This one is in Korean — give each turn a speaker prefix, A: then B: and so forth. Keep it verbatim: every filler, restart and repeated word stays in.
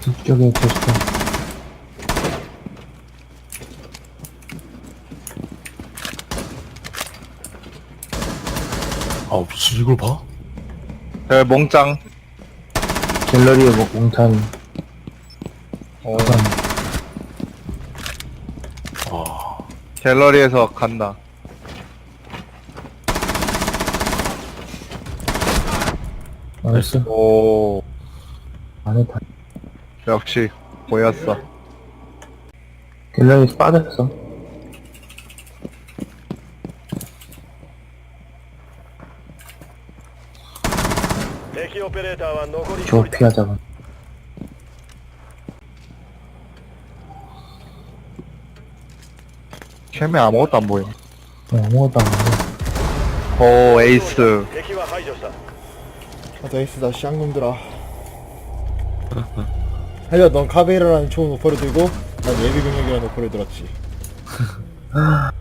A: 이쪽에 계시다.
B: 아 미친 이걸 봐?
C: 저 몽짱.
A: 갤러리에 뭐 몽탄
C: 어,
A: 그건
B: 아
C: 갤러리에서 간다.
A: 나이스.
C: 오,
A: 안에 다
C: 역시 보였어.
A: 갤러리에서 빠졌어. 저 피하자가.
C: 캠에 아무것도 안 보여.
A: 어, 아무것도 안 하고.
C: 오, 에이스.
D: 나도 에이스다 쌍놈들아. 하여 넌 카베이라라는 총을 버려들고 난 예비병력이라는 목표를 들었지.